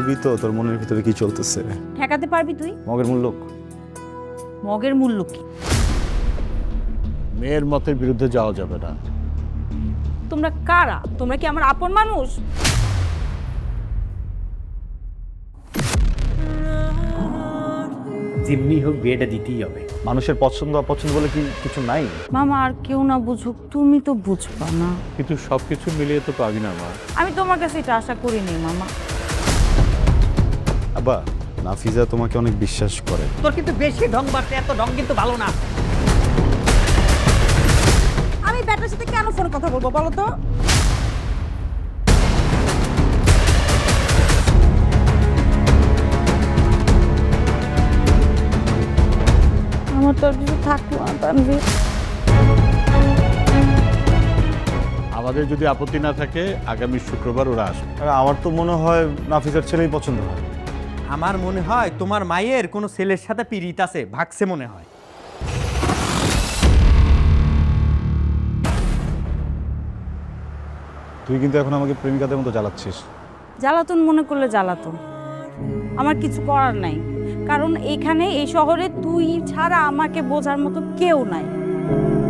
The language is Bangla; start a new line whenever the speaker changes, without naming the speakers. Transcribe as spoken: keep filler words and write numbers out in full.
বলবি তো তোর মনের ভিতরে কি চলতেছে?
ঠেকাতে পারবি তুই?
মগের মূল্য
মগের মূল্য কি?
মেয়ের মতের বিরুদ্ধে যাওয়া যাবে না।
তোমরা কারা? তোমরা কি আমার আপন মানুষ?
যেমনি হোক বিয়েটা দিতেই হবে।
মানুষের পছন্দ অপছন্দ বলে কি কিছু নাই?
মামা আর কেউ না বুঝুক, তুমি তো বুঝবা না।
কিন্তু সবকিছু মিলিয়ে তো পাবি না মা।
আমি তোমার কাছে এটা আশা করিনি মামা।
আব্বা, নাফিজা তোমাকে অনেক বিশ্বাস করে।
তোর কিন্তু বেশি ঢং বাড়ছে, এত ঢং কিন্তু ভালো না।
আমি ব্যাটার সাথে কেন ফোনে কথা বলবো বলো তো? আমার তো আর কিছু থাকলো না তানভীর।
আমাদের যদি আপত্তি না থাকে আগামী শুক্রবার ওরা আসবে।
আর আমার তো মনে হয় নাফিজার ছেলেই পছন্দ হয়।
আমার মনে হয় তোমার মায়ের কোনো ছেলের সাথে পিরিত আছে, ভাগছে মনে হয়।
তুই কিন্তু এখন আমাকে প্রেমিকাদের মতো জ্বালাচ্ছিস।
জ্বালাতন মনে করলে জ্বালাতন, আমার কিছু করার নাই। কারণ এখানে এই শহরে তুই ছাড়া আমাকে বোঝার মতো কেউ নাই।